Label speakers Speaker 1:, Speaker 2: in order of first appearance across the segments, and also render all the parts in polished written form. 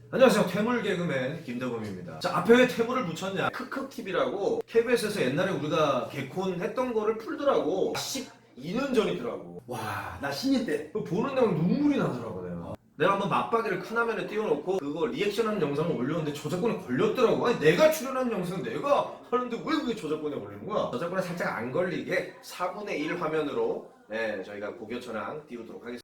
Speaker 1: 안녕하세요. 퇴물 개그맨 김대범입니다. 자, 앞에 왜 퇴물을 붙였냐? 크크TV라고 KBS에서 옛날에 우리가 개콘 했던 거를 풀더라고. 12년 전이더라고.
Speaker 2: 와, 나 신인 때.
Speaker 1: 그거 보는데 막 눈물이 나더라고 내가 한번 맞박이를 큰 화면에 띄워놓고 그거 리액션하는 영상을 올렸는데 저작권에 걸렸더라고. 아니 내가 출연한 영상 내가 하는데 왜 그게 저작권에 걸리는 거야? 저작권에 살짝 안 걸리게 4분의 1 화면으로 네, 저희가 고교천왕 띄우도록 하겠습니다.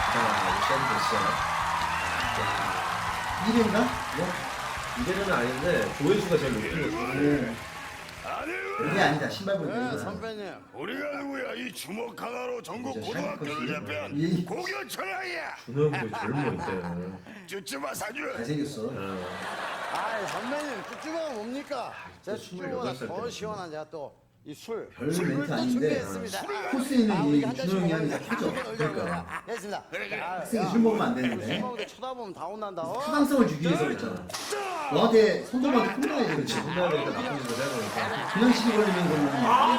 Speaker 1: 자, 이제 됐어요.
Speaker 2: 1회인가? 뭐?
Speaker 1: 이대로는 아닌데 조회수가 제일 높은 거죠.
Speaker 2: 그게 아니다. 신발 보니까
Speaker 3: 네,
Speaker 2: 이거다.
Speaker 3: 선배님.
Speaker 4: 우리가 누구야? 이 주먹 하나로 전국
Speaker 2: 진짜
Speaker 4: 고등학교를
Speaker 2: 샤이니커스.
Speaker 4: 대표한
Speaker 2: 이-
Speaker 4: 고교천왕이야.
Speaker 1: 준호 형도 젊어 이때.
Speaker 4: 쭈쭈바 사주.
Speaker 2: 잘생겼어.
Speaker 3: 아, 선배님 쭈쭈바가 뭡니까? 제가
Speaker 1: 28살
Speaker 3: 쭈쭈바보다 더
Speaker 1: 때문에.
Speaker 3: 시원한 제가 또 이 술.
Speaker 2: 별
Speaker 3: 술을
Speaker 2: 멘트
Speaker 3: 또
Speaker 2: 아닌데
Speaker 3: 준비했습니다.
Speaker 2: 코스에
Speaker 3: 우리
Speaker 2: 있는
Speaker 3: 한
Speaker 2: 이
Speaker 3: 잔씩
Speaker 2: 준호 형이
Speaker 3: 먹으면서
Speaker 2: 하니까 크죠?
Speaker 3: 아,
Speaker 2: 그러니까.
Speaker 3: 됐습니다.
Speaker 2: 학생이 술 먹으면 안
Speaker 3: 술
Speaker 2: 되는데
Speaker 3: 먹을 때 쳐다보면 다 혼난다.
Speaker 2: 타당성을 주기 위해서 그랬잖아. 너한테 손톱한테 혼나야 되겠지.
Speaker 1: 혼나야 되니까 나쁜 짓을 해야 되니까.
Speaker 2: 그냥 시비 걸리면 그러면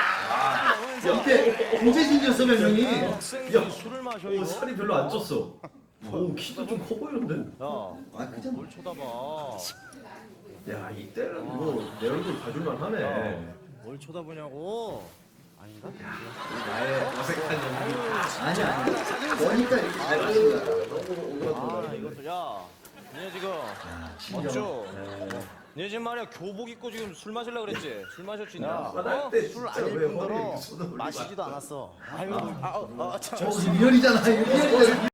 Speaker 2: 옆에 공재진이었어 별명이.
Speaker 1: 야, 술을 마셔. 오, 살이 별로 안 쪘어. 오, 키도 좀 커 보이는데.
Speaker 2: 아 크잖아.
Speaker 5: 쳐다봐.
Speaker 1: 야, 이때는 뭐 내 얼굴 봐줄만 하네.
Speaker 5: 뭘 쳐다보냐고. 아닌가?
Speaker 1: 나의 어색한 연기.
Speaker 2: 아니야. 너니까 이렇게 잘하는 거야.
Speaker 1: 너무
Speaker 5: 아,
Speaker 1: 오그라들어.
Speaker 5: 이것도 야. 니네 지금
Speaker 2: 신경.
Speaker 5: 어쭈? 니네 지금 말이야 교복 입고 지금 술 마실라 그랬지? 술 마셨지 나?
Speaker 1: 화날 때
Speaker 3: 술
Speaker 1: 진짜
Speaker 3: 안
Speaker 1: 왜
Speaker 3: 입은
Speaker 1: 허리에
Speaker 3: 거로
Speaker 1: 이렇게 손을 올리고
Speaker 3: 마시지도
Speaker 1: 앉아?
Speaker 3: 않았어. 아유, 참.
Speaker 2: 저 리얼이잖아. 이거 리얼이잖아.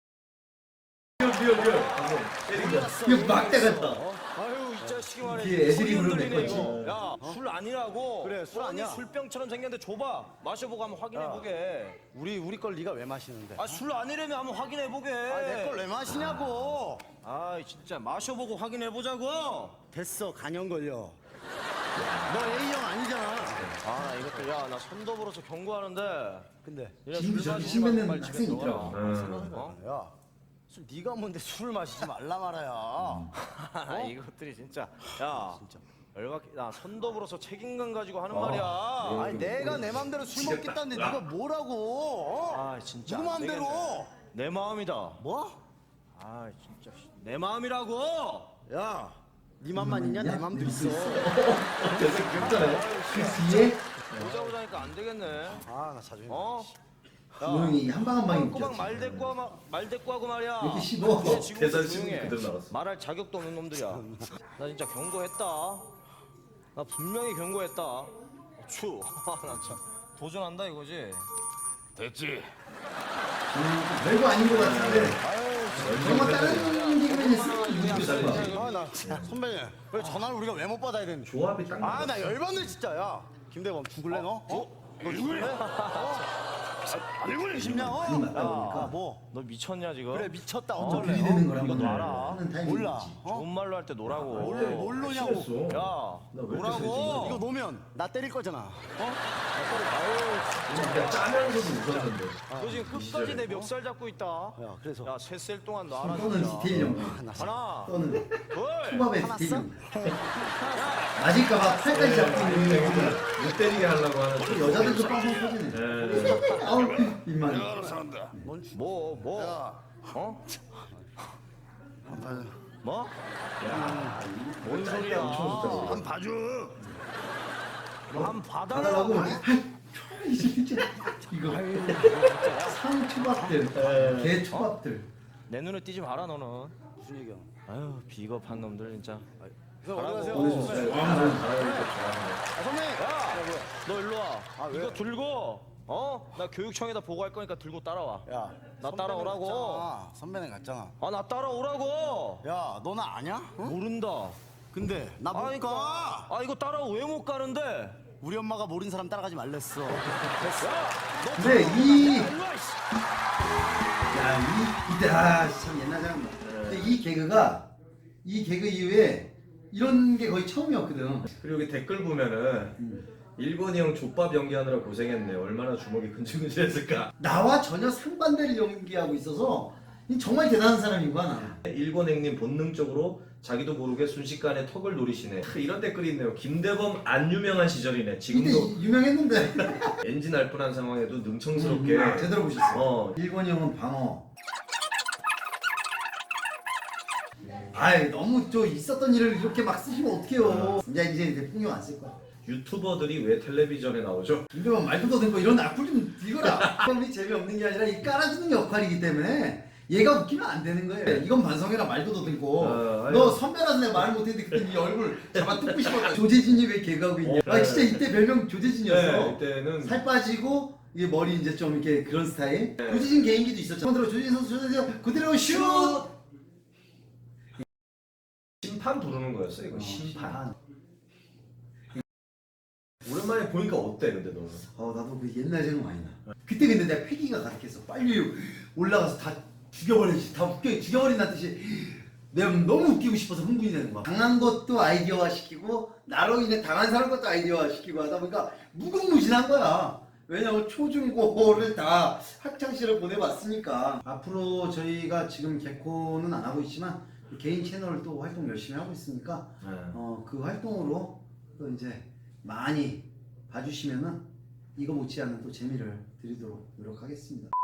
Speaker 1: 리얼. 방금 때린 거.
Speaker 2: 이거 막대 같다.
Speaker 5: 아유 이 자식이 말이야.
Speaker 2: 뒤에 애드립으로
Speaker 5: 소리 흔들리네,
Speaker 2: 냈거지.
Speaker 5: 이거. 야, 술 아니라고.
Speaker 3: 그래, 술
Speaker 5: 아니,
Speaker 3: 아니야.
Speaker 5: 술병처럼 생겼는데 줘봐. 마셔보고 한번 확인해 보게.
Speaker 3: 우리 걸 네가 왜 마시는데?
Speaker 5: 아, 술 아니라면 한번 확인해 보게.
Speaker 3: 내 걸 왜 마시냐고.
Speaker 5: 아, 진짜 마셔보고 확인해 보자고.
Speaker 3: 됐어, 간염 걸려. 너 A형 아니잖아.
Speaker 5: 아, 나 이것도 야, 나 선도부로서 경고하는데.
Speaker 3: 근데
Speaker 5: 얘네
Speaker 2: 지금
Speaker 5: 술
Speaker 2: 저기
Speaker 5: 마시지
Speaker 2: 침 뱉는
Speaker 5: 말고 빨리 집에
Speaker 2: 학생이
Speaker 5: 들어와.
Speaker 2: 있더라고.
Speaker 5: 어?
Speaker 3: 야, 술 네가 뭔데 술을 마시지 말라 말아야.
Speaker 5: 아, 이것들이 진짜 야 진짜 열받게 나 선도부로서 책임감 가지고 하는 말이야.
Speaker 3: 아니 내가 내 맘대로 술 먹겠다는데 네가 뭐라고? 어?
Speaker 5: 아 진짜
Speaker 3: 누구
Speaker 5: 안
Speaker 3: 맘대로?
Speaker 5: 되겠네. 내 마음이다.
Speaker 3: 뭐?
Speaker 5: 아 진짜 내 마음이라고.
Speaker 3: 야, 네 맘만 있냐? 내 맘도 있어.
Speaker 1: 계속 귀엽잖아요.
Speaker 2: 그 뒤에
Speaker 5: 보자 보자니까 안 되겠네.
Speaker 3: 아, 나 자존심.
Speaker 5: 어?
Speaker 2: 조용히 한 방 한 방이
Speaker 5: 꼬박
Speaker 2: 웃겼지.
Speaker 5: 말 대꾸하고 말이야.
Speaker 2: 이렇게 씹어.
Speaker 5: 근데 지금부터
Speaker 1: 대선
Speaker 5: 조용히 해.
Speaker 1: 신문 그대로 나왔어.
Speaker 5: 말할 자격도 없는 놈들이야. 나 진짜 경고했다. 나 분명히 경고했다. 추. 나 참 도전한다 이거지.
Speaker 4: 됐지.
Speaker 2: 별거 아닌 것 같은데. 정말 다른 개그맨이 쓰는
Speaker 1: 이게 달라.
Speaker 3: 아, 나 선배님. 왜 전화를 우리가 왜 못 받아야 되는데?
Speaker 1: 조합이 딱
Speaker 3: 아,
Speaker 1: 맞아.
Speaker 3: 나 열받네 진짜. 야, 김대범 죽을래 너? 어? 너 죽을래?
Speaker 4: 아니구나.
Speaker 3: 싶냐? 어?
Speaker 2: 그림 맞다
Speaker 3: 야,
Speaker 2: 보니까.
Speaker 3: 뭐?
Speaker 5: 너 미쳤냐 지금?
Speaker 3: 그래 미쳤다 어쩔래?
Speaker 2: 들이대는 걸
Speaker 5: 이거
Speaker 2: 한번
Speaker 5: 놔라.
Speaker 2: 하는 타이밍이
Speaker 3: 몰라.
Speaker 2: 있지.
Speaker 5: 좋은 말로 할 때 노라고.
Speaker 3: 뭘 노냐고?
Speaker 1: 싫었어.
Speaker 5: 야,
Speaker 1: 나왜 이렇게
Speaker 5: 노라고.
Speaker 1: 세지?
Speaker 3: 이거 놓으면 나 때릴 거잖아.
Speaker 1: 진짜 짜면서도 웃었는데.
Speaker 5: 너 지금 끝까지 내 멱살 잡고 있다.
Speaker 3: 야, 그래서
Speaker 5: 야, 셋셀 동안 놔라
Speaker 2: 또는
Speaker 5: 진짜.
Speaker 2: 디테일 연구.
Speaker 5: 하나,
Speaker 2: 또는
Speaker 5: 둘.
Speaker 2: 초밥의
Speaker 3: 화났어?
Speaker 2: 디테일 연구. 맞을까봐 팔까지 잡고 있는 연구.
Speaker 1: 못 때리게 하려고 하는.
Speaker 2: 또 여자들도 빵빵 터지네. 아우 입만.
Speaker 4: 내가 알아서 한다.
Speaker 5: 뭐? 어? 뭐? 뭔 소리야?
Speaker 4: 한 봐줘.
Speaker 5: 한
Speaker 2: 받아라고.
Speaker 5: 받아라고.
Speaker 2: 이거 상 초밥들, 개 초밥들.
Speaker 5: 내 눈에 띄지 마라 너는.
Speaker 3: 무슨 얘기야?
Speaker 5: 아유 비겁한 놈들 진짜.
Speaker 3: 그래서 어디 가세요?
Speaker 2: 보내주세요.
Speaker 3: 아, 선배님.
Speaker 5: 너 일로 와.
Speaker 3: 아, 왜?
Speaker 5: 이거 들고 나 교육청에다 보고할 거니까 들고 따라와.
Speaker 3: 야,
Speaker 5: 나
Speaker 3: 선배는
Speaker 5: 따라오라고.
Speaker 3: 갔잖아. 선배는 갔잖아.
Speaker 5: 나 따라오라고.
Speaker 3: 야, 너 나 아냐? 응?
Speaker 5: 모른다.
Speaker 3: 근데 나 못 가.
Speaker 5: 이거 따라 왜 못 가는데?
Speaker 3: 우리 엄마가 모르는 사람 따라가지 말랬어.
Speaker 2: 근데 이
Speaker 5: 일로 와, 이씨.
Speaker 2: 이때 참 옛날 생각나. 근데 이 개그 이후에 이런 게 거의 처음이었거든.
Speaker 1: 그리고 여기 댓글 보면은 일본이 형 족밥 연기하느라 고생했네. 얼마나 주먹이 근질근질했을까.
Speaker 2: 나와 전혀 상반대를 연기하고 있어서 이 정말 대단한 사람인 거야 나.
Speaker 1: 일본 행님 본능적으로 자기도 모르게 순식간에 턱을 노리시네. 이런 댓글이 있네요. 김대범 안 유명한 시절이네.
Speaker 2: 이때
Speaker 1: 지금도
Speaker 2: 유명했는데.
Speaker 1: 엔진 할 뻔한 상황에도 능청스럽게
Speaker 2: 제대로 보셨어.
Speaker 1: 어.
Speaker 2: 일본이 형은 방어. 아이 너무 저 있었던 일을 이렇게 막 쓰시면 어떡해요. 이제 풍경 안 쓸 거야.
Speaker 1: 유튜버들이 왜 텔레비전에 나오죠?
Speaker 2: 김정은 말도 더듬고 이런 악플 좀 읽어라. 그럼이 재미없는 게 아니라 이 깔아주는 역할이기 때문에 얘가 웃기면 안 되는 거예요. 이건 반성해라 말도 더듬고.
Speaker 1: 아니.
Speaker 2: 너 선배라서 내가 말을 못했는데 그때 네 얼굴 잡아 뜯고 싶어. 조재진이 왜 개그하고 있냐. 아 진짜 이때 별명 조재진이었어.
Speaker 1: 네, 이때는
Speaker 2: 살 빠지고 이게 머리 이제 좀 이렇게 그런 스타일. 조재진 개인기도 있었죠. 조재진 선수 조재진 그대로 슛.
Speaker 1: 심판 부르는 거였어 이거. 심판.
Speaker 2: 심판.
Speaker 1: 오랜만에 보니까 어때 근데 너는?
Speaker 2: 나도 그 옛날 생각 많이 나. 그때 근데 내가 패기가 가득했어. 빨리 올라가서 다 죽여버리지. 다 죽여버린다는 뜻이 내가 너무 웃기고 싶어서 흥분이 되는 거야. 당한 것도 아이디어화 시키고 나로 인해 당한 사람 것도 아이디어화 시키고 하다 보니까 무궁무진한 거야. 왜냐면 초중고를 다 학창시절을 보내봤으니까. 앞으로 저희가 지금 개코는 안 하고 있지만 개인 채널을 또 활동 열심히 하고 있으니까 그 활동으로 또 이제 많이 봐주시면은 이거 못지않은 또 재미를 드리도록 노력하겠습니다.